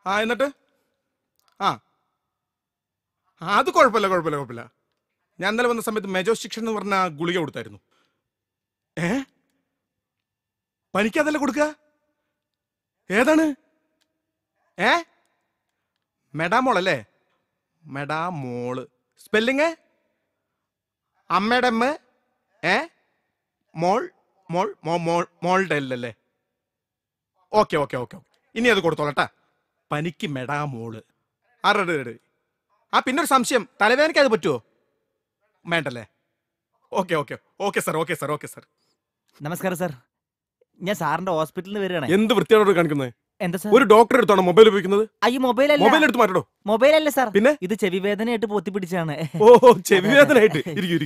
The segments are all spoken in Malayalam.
എന്നിട്ട് ആ അത് കുഴപ്പമില്ല. ഞാൻ ഇന്നലെ വന്ന സമയത്ത് മെജോസ്റ്റിക്ഷൻ എന്ന് പറഞ്ഞ ഗുളിക കൊടുത്തായിരുന്നു. പനിക്കതല്ല കൊടുക്കുക? ഏതാണ്? മെഡാമോൾ അല്ലേ? മെഡാമോള്. സ്പെല്ലിങ് അമ്മയുടെ അമ്മ മോൾ മോൾ മോളുടെ അല്ലേ? ഓക്കെ. ഇനി അത് കൊടുത്തോളട്ടാ. പനിക്ക് മെഡാമോള്. പിന്നൊരു സംശയം, തലവേദനയ്ക്ക് അത് പറ്റുമോ? വേണ്ടല്ലേ? Okay sir. നമസ്കാരം സാർ, ഞാൻ സാറിന്റെ ഹോസ്പിറ്റലിൽ നിന്ന് വരികയാണ്. എന്ത് വൃത്തിയോട് കാണിക്കുന്നത്? എന്താ സാർ? ഒരു ഡോക്ടർ എടുത്താണോ മൊബൈൽ ഉപയോഗിക്കുന്നത്? അയ്യോ, മൊബൈൽ എടുത്ത് മാറ്റോ. മൊബൈൽ അല്ല സാർ, പിന്നെ ഇത് ചെവി വേദനയായിട്ട് പൊത്തിപ്പിടിച്ചാണ്. ചെവി വേദനയായിട്ട്.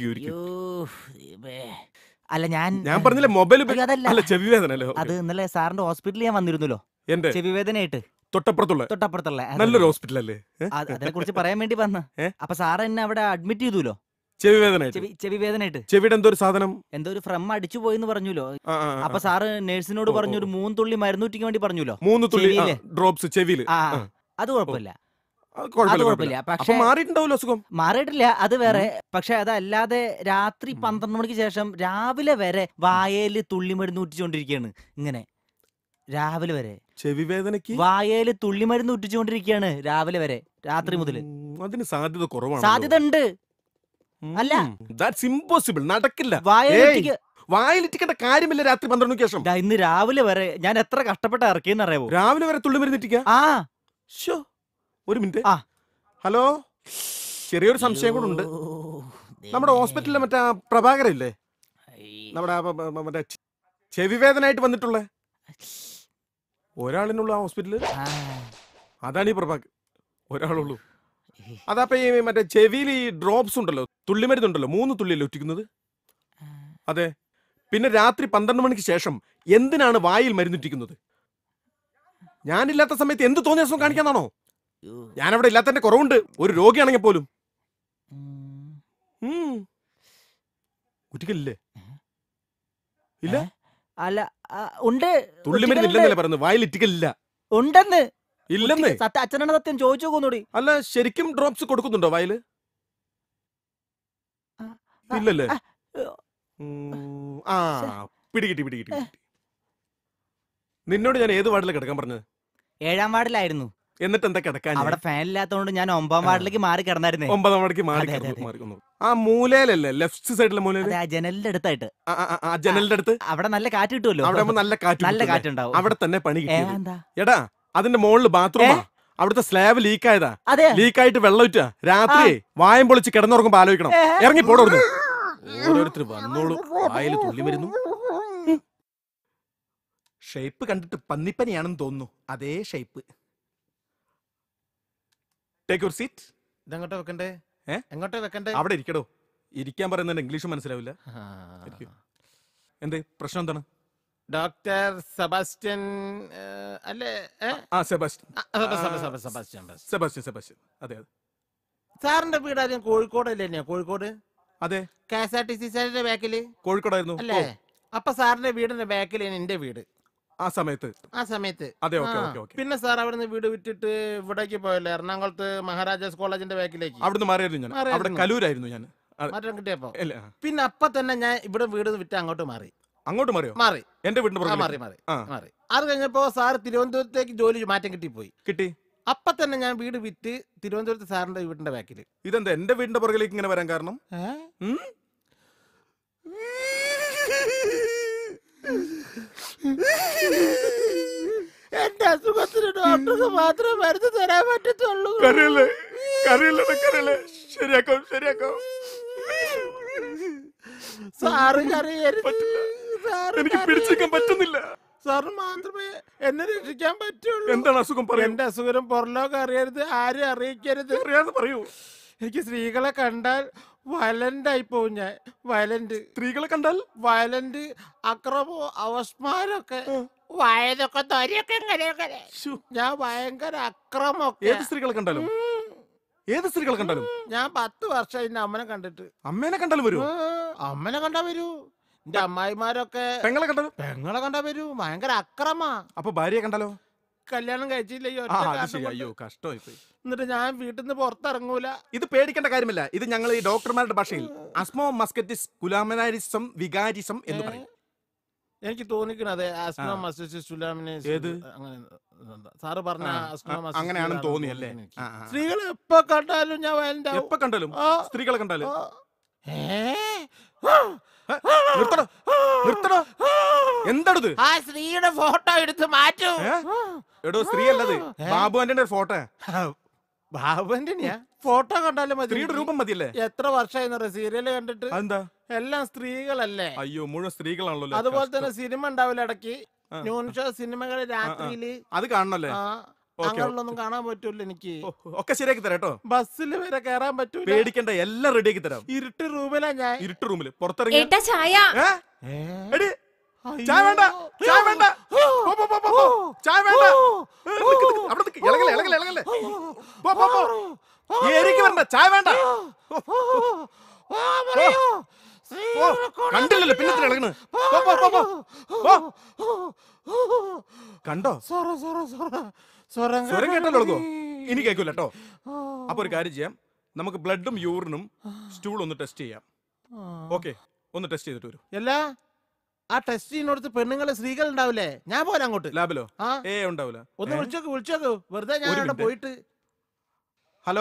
അല്ല, ഞാൻ പറഞ്ഞില്ലേ മൊബൈൽ അതല്ല, ചെവി വേദന. അത് ഇന്നലെ സാറിന്റെ ഹോസ്പിറ്റലിൽ ഞാൻ വന്നിരുന്നല്ലോ, എന്റെ ചെവി വേദനയായിട്ട്. തൊട്ടപ്പുറത്തുള്ള നല്ലൊരു ഹോസ്പിറ്റൽ അല്ലേ? അതിനെ കുറിച്ച് പറയാൻ വേണ്ടി വന്ന. അപ്പൊ സാർ എന്നെ അവിടെ അഡ്മിറ്റ് ചെയ്തുല്ലോ, ചെവി വേദനയായിട്ട്. ചെവിയുടെ എന്തോ ഒരു സാധനം, എന്തോ ഒരു ഫ്രം അടിച്ചു പോയെന്ന് പറഞ്ഞല്ലോ. അപ്പൊ സാറ് നേഴ്സിനോട് പറഞ്ഞു ഒരു 3 തുള്ളി മരുന്നൂറ്റിക്ക് വേണ്ടി പറഞ്ഞല്ലോ. 3 തുള്ളി ഡ്രോപ്സ് ചെവിയിൽ. അത് കുഴപ്പമില്ല. പക്ഷെ മാറിയിട്ടില്ല, അത് വേറെ. പക്ഷെ അതല്ലാതെ രാത്രി 12 മണിക്ക് ശേഷം രാവിലെ വരെ വായയില് തുള്ളി മരുന്ന് ഊറ്റിച്ചോണ്ടിരിക്കുകയാണ്. ഇങ്ങനെ രാവിലെ വരെ ചെവി വേദനയ്ക്ക് വായയില് തുള്ളി മരുന്ന് ഊറ്റിച്ചോണ്ടിരിക്കുകയാണ് രാവിലെ വരെ, രാത്രി മുതൽ. അതിന് സാധ്യത കുറവാണ്. സാധ്യത ഉണ്ട്. അല്ല, ദാറ്റ്സ് ഇംപോസിബിൾ. നടക്കില്ല. വായലിറ്റിക്കേണ്ട കാര്യമില്ല രാത്രി 12 മണിക്ക് ശേഷം. ഇന്ന് രാവിലെ വരെ ഞാൻ എത്ര കഷ്ടപ്പെട്ട് ഇറക്കിയെന്ന് അറിയാമോ? രാവിലെ വരെ തുള്ളി മരുന്നിട്ടിക്ക? ഒരു മിനിറ്റ്. ഹലോ, ചെറിയൊരു സംശയം കൂടെ ഉണ്ട്. നമ്മുടെ ഹോസ്പിറ്റലിലെ മറ്റേ പ്രഭാകരല്ലേ, നമ്മുടെ മറ്റേ ചെവി വേദനയായിട്ട് വന്നിട്ടുള്ള ഒരാളിനുള്ള ആ ഹോസ്പിറ്റലിൽ? അതാണ് ഈ പ്രഭാകർ. ഒരാളുള്ളൂ. അതപ്പോ ഈ മറ്റേ ചെവിയിൽ ഈ ഡ്രോപ്സ് ഉണ്ടല്ലോ, തുള്ളിമരുന്നുണ്ടല്ലോ, 3 തുള്ളിയല്ലേ ഒറ്റിക്കുന്നത്? അതെ. പിന്നെ രാത്രി 12 മണിക്ക് ശേഷം എന്തിനാണ് വായിൽ മരുന്നിട്ടിക്കുന്നത്? ഞാനില്ലാത്ത സമയത്ത് എന്ത് തോന്നിയ ദിവസം കാണിക്കാന്നാണോ? ഞാനവിടെ ഇല്ലാത്തതിന്റെ കുറവുണ്ട്, ഒരു രോഗിയാണെങ്കിൽ പോലും. ഒറ്റിക്കല്ലേ? ഇല്ല, അല്ല, ഉണ്ട്. തുള്ളിമരുന്നില്ലെന്നല്ലേ പറയുന്നത്, വായിൽ ഇറ്റിക്കലില്ല. ഉണ്ടെന്ന്. ഇല്ലെന്ന് അച്ഛനാണ് സത്യം. ചോദിച്ചു നോക്കൂടി. അല്ല, ശരിക്കും ഡ്രോപ്സ് കൊടുക്കുന്നുണ്ടോ വായില്? ഇല്ലല്ലേ? പിടികിട്ടി. നിന്നോട് ഞാൻ ഏത് വാർഡിലാണ് കിടക്കാൻ പറഞ്ഞത്? 7-ാം വാർഡിലായിരുന്നു. എന്നിട്ട് എന്താ കിടക്കാൻ? അവിടെ ഫാൻ ഇല്ലാത്തതുകൊണ്ട് ഞാൻ 9-ാം വാർഡിലേക്ക് മാറി കിടന്നായിരുന്നേ. 9-ാം വാർഡിലേക്ക് മാറി. ആ മൂലയിലല്ലേ, ലെഫ്റ്റ് സൈഡിലെ മൂലയിൽ, ജനലിന്റെ അടുത്തായിട്ട്. ജനലിന്റെ അടുത്ത്. അവിടെ നല്ല കാറ്റ് കിട്ടുമല്ലോ. അവിടെ നല്ല കാറ്റുണ്ടാവും. അവിടെ തന്നെ പണി കിട്ടും. എടാ, അതിന്റെ മുകളിൽ ബാത്റൂമാ. അവിടുത്തെ സ്ലാബ് ലീക്കായതാ. ലീക്കായിട്ട് വെള്ളം ഇറ്റാ. രാത്രി വായം പൊളിച്ച് കിടന്നുറങ്ങുമ്പോ ആലോചിക്കണം. ഇറങ്ങി പോടോടുന്നു. ഓരോരുത്തർ വന്നോളൂ, വായിൽ തുള്ളി വരുന്നു. ഷേപ്പ് കണ്ടിട്ട് പന്നിപ്പനിയാണെന്ന് തോന്നുന്നു. അതേ ഷേപ്പ്. Take your seat. ഇതെങ്ങോട്ടാ വെക്കണ്ടേ? എങ്ങോട്ടാ വെക്കണ്ടേ? അവിടെ ഇരിക്കടോ. ഇരിക്കാൻ പറയുന്നത് ഇംഗ്ലീഷ് മനസ്സിലാവില്ല. എന്തേ പ്രശ്നം? എന്താണ്? ഡോക്ടർ സെബാസ്റ്റ്യൻ അല്ലേ? സെബാസ്റ്റ്യൻ. അതെ. സാറിന്റെ വീട് ആദ്യം കോഴിക്കോടല്ലേ? കോഴിക്കോട്. അതെ. KSRTC സാറിന്റെ ബാക്കില് കോഴിക്കോടായിരുന്നു അല്ലേ? അപ്പൊ സാറിന്റെ വീടിന്റെ ബാക്കിലാണ് എന്റെ വീട് ആ സമയത്ത്. അതെ. പിന്നെ സാർ അവിടുന്ന് വീട് വിറ്റിട്ട് ഇവിടേക്ക് പോയല്ലേ, എറണാകുളത്ത് മഹാരാജാസ് കോളേജിന്റെ ബാക്കിലേക്ക്. അവിടുന്ന് മാറിയായിരുന്നു ഞാൻ. അവിടെ കലൂരായിരുന്നു ഞാൻ. മാറ്റം കിട്ടിയപ്പോ പിന്നെ അപ്പൊ തന്നെ ഞാൻ ഇവിടെ വീട് വിറ്റ് അങ്ങോട്ട് മാറി. അങ്ങോട്ട് മാറിയോ? മാറി. എന്റെ വീടിന് മാറി. അത് കഴിഞ്ഞപ്പോ സാർ തിരുവനന്തപുരത്തേക്ക് ജോലി മാറ്റം കിട്ടി. അപ്പൊ തന്നെ ഞാൻ വീട് വിറ്റ് തിരുവനന്തപുരത്ത് സാറിന്റെ വീടിന്റെ ബാക്കിൽ. ഇതെന്താ എന്റെ വീടിന്റെ പുറകിലേക്ക് ഇങ്ങനെ വരാൻ കാരണം? എന്റെ അസുഖത്തിന് ഡോക്ടർക്ക് മാത്രമേ മരുന്ന് തരാൻ പറ്റത്തുള്ളൂ. ശരിയാക്കാം. സാറ് കരയരുത്. എനിക്ക് പിടിച്ചേക്കാൻ പറ്റുന്നില്ല. സാറ് മാത്രമേ എന്നെ രക്ഷിക്കാൻ പറ്റുള്ളൂ. എന്താണ് അസുഖം? എന്റെ അസുഖം പുറലോകം അറിയരുത്, ആരും അറിയിക്കരുത്. പറയൂ. എനിക്ക് സ്ത്രീകളെ കണ്ടാൽ വയലന്റ് ആയി പോവും. ഞാൻ വയലന്റ്. സ്ത്രീകളെ കണ്ടാൽ വയലന്റ്, അക്രമോ, അവസ്മാരൊക്കെ, വയതൊക്കെ തൊരയൊക്കെ ഇങ്ങനെയൊക്കെ. ഞാൻ ഭയങ്കര അക്രമൊക്കെ. ഏത് സ്ത്രീകളെ കണ്ടാലും ഞാൻ 10 വർഷം എന്റെ അമ്മനെ കണ്ടിട്ട്. അമ്മേനെ കണ്ടാലും വരൂ? അമ്മനെ കണ്ടാ വരൂ. എന്റെ അമ്മായിമാരൊക്കെ പെങ്ങളെ കണ്ടാ വരൂ. ഭയങ്കര അക്രമാ. അപ്പൊ ഭാര്യയെ കണ്ടാലോ? കല്യാണം കഴിച്ചില്ല ഈ ഒറ്റ ആ അത് കാരണം ശരി. കൊണ്ട്. അയ്യോ കഷ്ടമായി പോയി. എന്നിട്ട് ഞാൻ വീട്ടിൽ നിന്ന് പുറത്തിറങ്ങൂല. ഇത് പേടിക്കേണ്ട കാര്യമില്ല. ഇത് ഞങ്ങൾ ഈ ഡോക്ടർമാരുടെ ഭാഷയിൽ അസ്മോ മസ്കറ്റിസ് കുലാമിനാരിസം വികാരിസം എന്ന് പറയും. എനിക്ക് തോന്നിക്കണത് ആസ്മ മസ്റ്റിസ് സുലാമിനേസ് ഏത്? അങ്ങനെ സാറ് പറഞ്ഞ ആസ്മ മസ്റ്റിസ് അങ്ങനെയാണെന്ന് സുലാമിനേസ് തോന്നിയല്ലേ? എനിക്ക്. ആ, ആ. സ്ത്രീകൾ എപ്പോ കണ്ടാലും ഞാൻ വയലന്റ് ആവും. എപ്പോ കണ്ടാലും ആ. സ്ത്രീകളെ കണ്ടാലും ആ. നിർത്തടോ നിർത്തടോ. എന്താണിത്? ആ സ്ത്രീയുടെ ഫോട്ടോ എടുത്ത് മാറ്റൂ. എടോ സ്ത്രീ അല്ലത്, ബാബു ആന്റണിയുടെ ഫോട്ടോ. ബാബുവിന്റെ ഫോട്ടോ കണ്ടാലും മതി. സ്ത്രീയുടെ രൂപം മതിയല്ലേ? എത്ര വർഷമായി സീരിയല് കണ്ടിട്ട്? അതെന്താ? എല്ലാം സ്ത്രീകളല്ലേ. അയ്യോ മുഴുവൻ സ്ത്രീകളാണല്ലോ. അതുപോലെ തന്നെ സിനിമ ഉണ്ടാവില്ല ഇടയ്ക്ക് ന്യൂൺ ഷോ സിനിമകള് രാത്രിയില്. അത് കാണണല്ലേ? അങ്ങനെയുള്ളൊന്നും കാണാൻ പറ്റൂല എനിക്ക്. ഒക്കെ ശരിയാക്കി തരാം കേട്ടോ. ബസ്സിൽ വരെ കയറാൻ പറ്റൂല. പേടിക്കണ്ട, എല്ലാം റെഡിയാക്കി തരാം. ഇരുട്ട് റൂമിലാ ഞാൻ. ഇരുട്ട് റൂമില് പുറത്തിറങ്ങി ഏട്ടാ ചായ. എടി, ചായ വേണ്ട, ചായ വേണ്ട, പോ, പോ, പോ, പോ, പോ. ചായ വേണ്ട. നിക്ക്, നിക്ക്, അവിടെ നിക്ക്. ഇളകല്ലേ, ഇളകല്ലേ, ഇളകല്ലേ. പോ, പോ, പോ. ഈ ഏരിയക്ക് വരണ്ട, ചായ വേണ്ട. കണ്ടില്ലല്ലോ പിന്നെ ഇളകണ്. പോ, പോ, പോ, പോ. കണ്ടോ? സ്വരം കേട്ടല്ലോ ഇളകോ? ഇനി കേൾക്കൂല കേട്ടോ. അപ്പൊ ഒരു കാര്യം ചെയ്യാം, നമുക്ക് ബ്ലഡും യൂറിനും സ്റ്റൂൾ ഒന്ന് ടെസ്റ്റ് ചെയ്യാം. ഓക്കെ, ഒന്ന് ടെസ്റ്റ് ചെയ്തിട്ട് വരും. അല്ല ആ ടെസ്റ്റ് ചെയ്യുന്നിടത്ത് പെണ്ണുങ്ങള് സ്ത്രീകൾ ഉണ്ടാവില്ലേ? ഞാൻ പോലെ അങ്ങോട്ട് ലാബിലോ? ആ ഉണ്ടാവില്ല. ഒന്ന് വിളിച്ചോക്കൂ വെറുതെ ഞാൻ ഒരു അവിടെ മിനിറ്റ്. പോയിട്ട്. ഹലോ,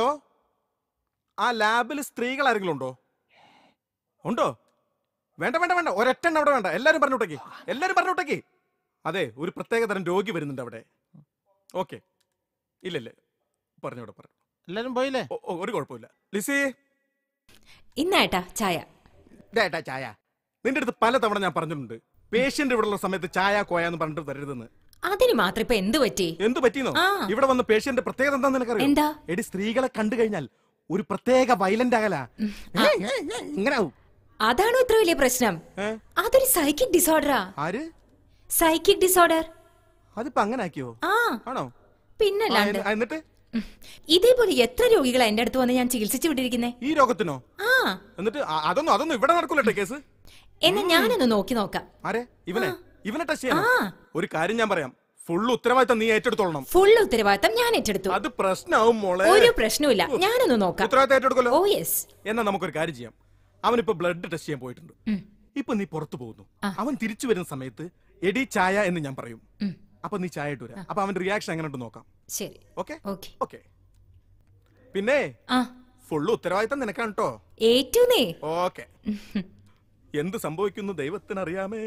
ആ ലാബിൽ സ്ത്രീകൾ ആരെങ്കിലും ഉണ്ടോ? ഉണ്ടോ? വേണ്ട വേണ്ട വേണ്ട, ഒരൊറ്റെണ്ണം അവിടെ വേണ്ട. എല്ലാരും പറഞ്ഞോട്ടേക്ക്, എല്ലാരും പറഞ്ഞോട്ടേക്ക്. അതെ, ഒരു പ്രത്യേക തരം രോഗി വരുന്നുണ്ട് അവിടെ. ഓക്കെ, ഇല്ലല്ലേ, പറഞ്ഞോടെ പറഞ്ഞു. എല്ലാരും പോയില്ലേ? ഒരു കുഴപ്പമില്ല. ലിസി, ഇന്നേട്ടാ ചായ. ഡേട്ടാ ചായ. നിന്റെ അടുത്ത് പലതവണ ഞാൻ പറഞ്ഞിട്ടുണ്ട്, പേഷ്യന്റ് ഇവിടെ ഉള്ള സമയത്ത് ചായ കോയാന്ന് പറഞ്ഞിട്ട് തരരുതെന്ന്. അതിന് മാത്രം ഇപ്പൊ എന്ത് പറ്റി? എന്ത് പറ്റിയെന്നോ? ഇവിടെ വന്ന പേഷ്യന്റ് പ്രത്യേകത എന്താന്ന് നിനക്കറിയാം? എന്താ? എടി, സ്ത്രീകളെ കണ്ടു കഴിഞ്ഞാൽ ഒരു പ്രത്യേക വയലന്റ് ആകല. ഇങ്ങനാവും. അതാണോ ഇത്ര വലിയ പ്രശ്നം? അതൊരു സൈക്കിക് ഡിസോർഡറാ. ആര്? Psychic disorder. അതിപ്പോ അങ്ങനെ ആക്കിയോ? ആ ആണോ? പിന്നല്ലാണ്ട്. എന്നിട്ട് ഇതേപോലെ എത്ര രോഗികളാ എന്റെ അടുത്ത് വന്ന് ഞാൻ ചികിത്സിച്ചു വിട്ടിരിക്കുന്നേ. ഈ രോഗത്തിനോ? ആ എന്നിട്ട് അതൊന്നും ഇവിടെ നടക്കൂലട്ടെ കേസ്. എന്നാ ഞാനൊന്ന് നോക്കി നോക്കാം. ആരെ? ഇവനെ ടെസ്റ്റ് ചെയ്യാനോ? ഒരു കാര്യം ഞാൻ പറയാം, ഫുൾ ഉത്തരവാദിത്തം നീ ഏറ്റെടുത്തോളണം. ഫുൾ ഉത്തരവാദിത്തം ഞാൻ ഏറ്റെടുത്തു. അത് പ്രശ്നമാവും മോളെ. ഒരു പ്രശ്നവുമില്ല, ഞാനൊന്ന് നോക്കാം. ഉത്തരവാദിത്തം ഏറ്റെടുക്കല്ലോ. ഓ യെസ്. എന്നാ നമുക്കൊരു കാര്യം ചെയ്യാം. അവനിപ്പോ ബ്ലഡ് ടെസ്റ്റ് ചെയ്യാൻ പോയിട്ടുണ്ട്. ഇപ്പൊ നീ പുറത്തു പോകുന്നു. അവൻ തിരിച്ചു വരുന്ന സമയത്ത് എടി ചായ എന്ന് ഞാൻ പറയും. അപ്പൊ നീ ചായ ഇട്ട് വരാം. അപ്പൊ അവന്റെ റിയാക്ഷൻ എങ്ങനെ ഉണ്ട് നോക്കാം. ശരി. Okay okay. ഓക്കെ. പിന്നെ ഫുള്ള് ഉത്തരവാദിത്തം നിനക്കാണ് കേട്ടോ. ഏറ്റൂന്നേ. ഓക്കെ. എന്ത് സംഭവിക്കുന്നു ദൈവത്തിനറിയാമേ.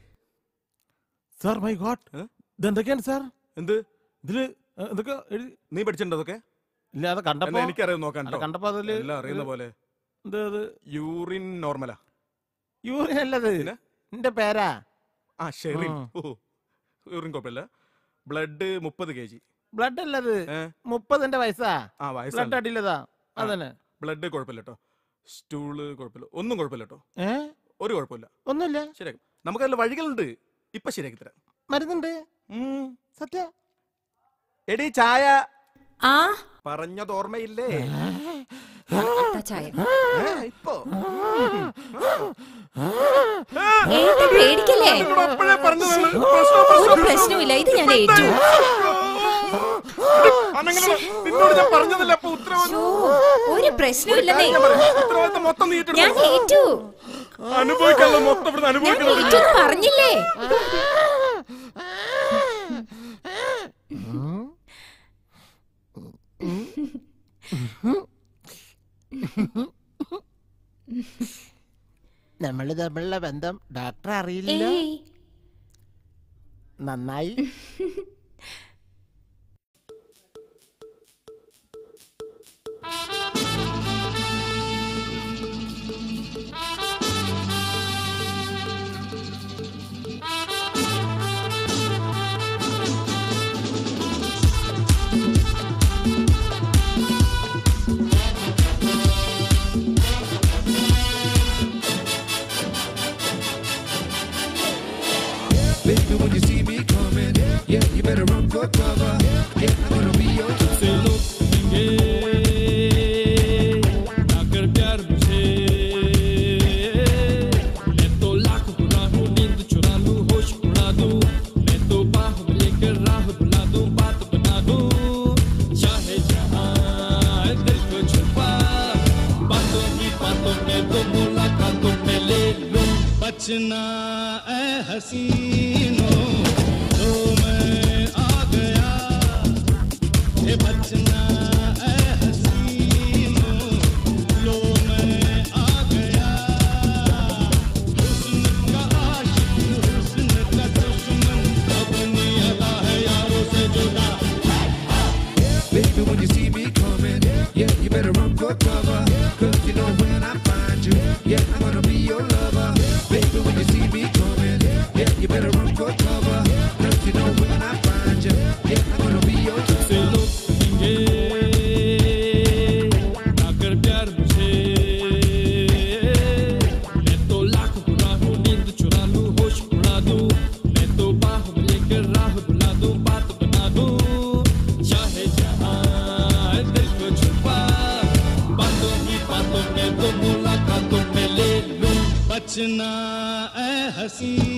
സാർ മൈ ഗോഡ്, ഇതെന്തൊക്കെയാണ് സാർ? എന്ത് ഇതില് എന്തൊക്കെ നീ പഠിച്ചിട്ടുണ്ടോ അതൊക്കെ? ഇല്ല, അത് കണ്ടപ്പോ എനിക്കറിയാം, നോക്കാൻ കണ്ടപ്പോ അതില് എല്ലാം അറിയുന്ന പോലെ. യൂറിൻ നോർമലാ? യൂറിൻ അല്ലത്, എന്റെ പേരാ. ആ ഷെറിൻ. യൂറിൻ കുഴപ്പമില്ല. Blood 30 kg. ബ്ലഡ് അല്ലത്, 30 വയസ്സാ. ബ്ലഡ് അടിയില്ലതാ. അതന്നെ. ബ്ലഡ് കുഴപ്പമില്ല കേട്ടോ. സ്റ്റൂള് കുഴപ്പമില്ല, ഒന്നും കുഴപ്പമില്ല കേട്ടോ. ഒരു കുഴപ്പമില്ല, ഒന്നുമില്ല. ശരിയാക്കും. നമുക്കതിൽ വഴികളുണ്ട്, ഇപ്പൊ ശരിയാക്കി തരാം. മരുന്നുണ്ട്. സത്യ. എടി ചായ ആ പറഞ്ഞത് ഓർമ്മയില്ലേ? ചായ ഇപ്പൊ പേടിക്കല്ലേ? ഒരു പ്രശ്നമില്ല, ഇത് ഞാൻ ഏറ്റു. നിന്നോട് ഞാൻ പറഞ്ഞതല്ല. അപ്പൊ ഒരു പ്രശ്നമില്ലെന്നേ, ഉത്തരവാദിത്തം മൊത്തം നീ ഞാൻ ഏറ്റു. അനുഭവിക്കാനുള്ള മൊത്തം ഇവിടെ അനുഭവിക്കണം. പറഞ്ഞില്ലേ? നമ്മള് തമ്മിലുള്ള ബന്ധം ഡോക്ടർ അറിയില്ല. നന്നായി. Baby, when you see me coming, yeah, you better run for cover. Yeah, I'm gonna be your से लोग कहेंगे ना कर प्यार मुझे, मैं तो लाख बुरा हूँ, नींद चुरा लूँ, होश उड़ा दूँ, मैं तो बाह लेकर राह बुला दूँ, बात हसीनो तो मैं आ गया ये बचना ए हसीनो लो मैं आ गया हुस्न का आशिक हुस्न का दुश्मन अपनी अदा है यारों से जुदा Baby, when you see me coming, yeah, you better run for cover. Cause you know when I find you, yeah, I'm gonna be your lover. Baby, when you see me coming, yeah, you better run for cover. Cause you know when I find you, yeah, I'm gonna be your lover. से लोग कहेंगे ना कर प्यार मुझे मैं तो लाख बुरा हूँ नींद चुरा लूँ होश उड़ा दूँ मैं तो बाह में लेकर राह बुला दूँ बात बना दूँ चाहे जहाँ दिल को छुपा बातों ही बातों में तो मुलाकातों में ले लूँ बचना ए हसी